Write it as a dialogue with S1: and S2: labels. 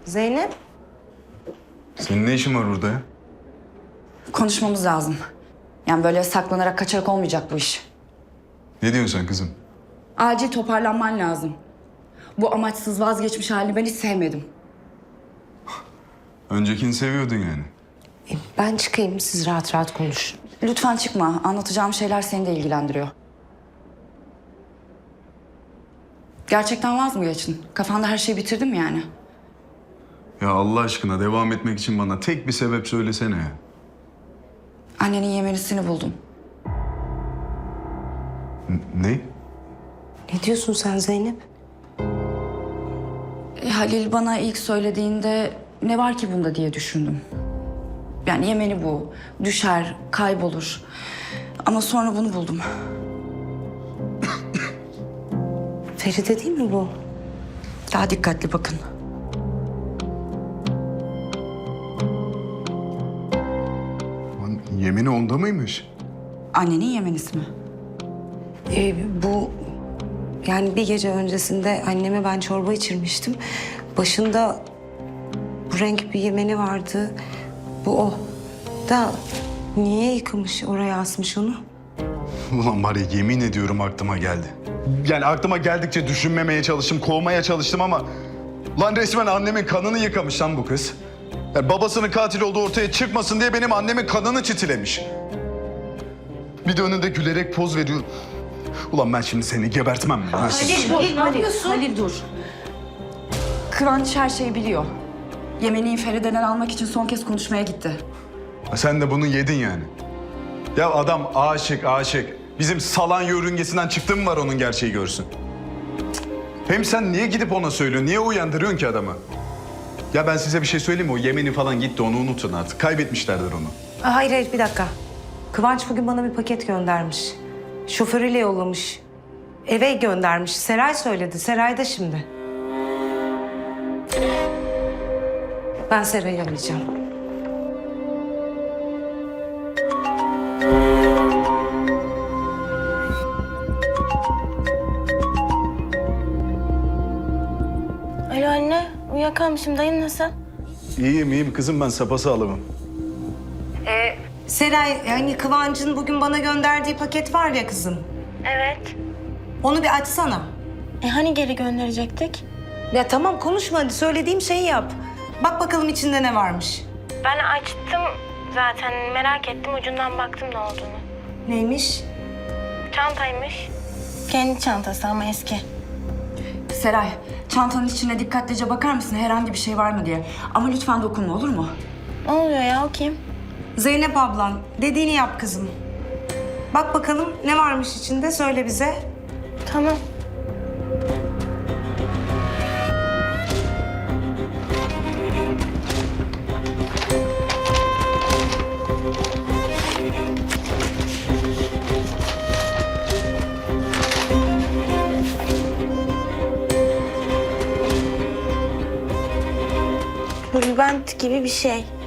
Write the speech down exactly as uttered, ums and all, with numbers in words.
S1: Zeynep?
S2: Senin ne işin var burada ya?
S3: Konuşmamız lazım. Yani böyle saklanarak kaçarak olmayacak bu iş.
S2: Ne diyorsun sen kızım?
S3: Acil toparlanman lazım. Bu amaçsız vazgeçmiş halini ben hiç sevmedim.
S2: Öncekini seviyordun yani.
S1: E, ben çıkayım, siz rahat rahat konuşun.
S3: Lütfen çıkma. Anlatacağım şeyler seni de ilgilendiriyor. Gerçekten vaz mı geçtin? Kafanda her şeyi bitirdin mi yani?
S2: Ya Allah aşkına devam etmek için bana tek bir sebep söylesene ya.
S3: Annenin yemenisini buldum.
S2: N- ne?
S1: Ne diyorsun sen Zeynep?
S3: E, Halil bana ilk söylediğinde ne var ki bunda diye düşündüm. Yani Yemeni bu. Düşer, kaybolur. Ama sonra bunu buldum.
S1: Feride değil mi bu?
S3: Daha dikkatli bakın.
S2: Lan yemini onda mıymış?
S3: Annenin Yemenisi mi?
S1: E, bu yani bir gece öncesinde anneme ben çorba içirmiştim. Başında bu renk bir yemeni vardı. Bu o. Da niye yıkamış, oraya asmış onu?
S2: Ulan var ya yemin ediyorum aklıma geldi. Yani aklıma geldikçe düşünmemeye çalıştım, kovmaya çalıştım ama... Lan resmen annemin kanını yıkamış lan bu kız. Yani babasının katil olduğu ortaya çıkmasın diye benim annemin kanını çitilemiş. Bir de önünde gülerek poz veriyor. Ulan ben şimdi seni gebertmem mi? Ha?
S3: Halil, Halil, ne yapıyorsun? Halil dur. Kıvanç her şeyi biliyor. Yemeni'yi Feride'den almak için son kez konuşmaya gitti.
S2: Sen de bunu yedin yani. Ya adam aşık aşık. Bizim salan yörüngesinden çıktı mı var onun gerçeği görsün. Hem sen niye gidip ona söylüyorsun? Niye uyandırıyorsun ki adamı? Ya ben size bir şey söyleyeyim mi? O Yemeni falan gitti, onu unutun artık. Kaybetmişlerdir onu.
S1: Aa, hayır hayır bir dakika. Kıvanç bugün bana bir paket göndermiş. Şoförüyle yollamış. Eve göndermiş. Seray söyledi. Seray da şimdi. Ben Seray'ı arayacağım.
S4: Alo anne, uyuyakalmışım. Dayın nasıl?
S2: İyiyim iyiyim kızım, ben sapasağlamım.
S1: Seray, yani Kıvanç'ın bugün bana gönderdiği paket var ya kızım.
S4: Evet.
S1: Onu bir açsana.
S4: E hani geri gönderecektik?
S1: Ya tamam konuşma hadi, söylediğim şeyi yap. Bak bakalım içinde ne varmış.
S4: Ben açtım zaten. Merak ettim. Ucundan baktım ne olduğunu.
S1: Neymiş?
S4: Çantaymış. Kendi çantası ama eski.
S3: Seray, çantanın içine dikkatlice bakar mısın herhangi bir şey var mı diye. Ama lütfen dokunma, olur mu?
S4: Ne oluyor ya? O kim?
S1: Zeynep ablan, dediğini yap kızım. Bak bakalım ne varmış içinde, söyle bize.
S4: Tamam. Tülbent gibi bir şey.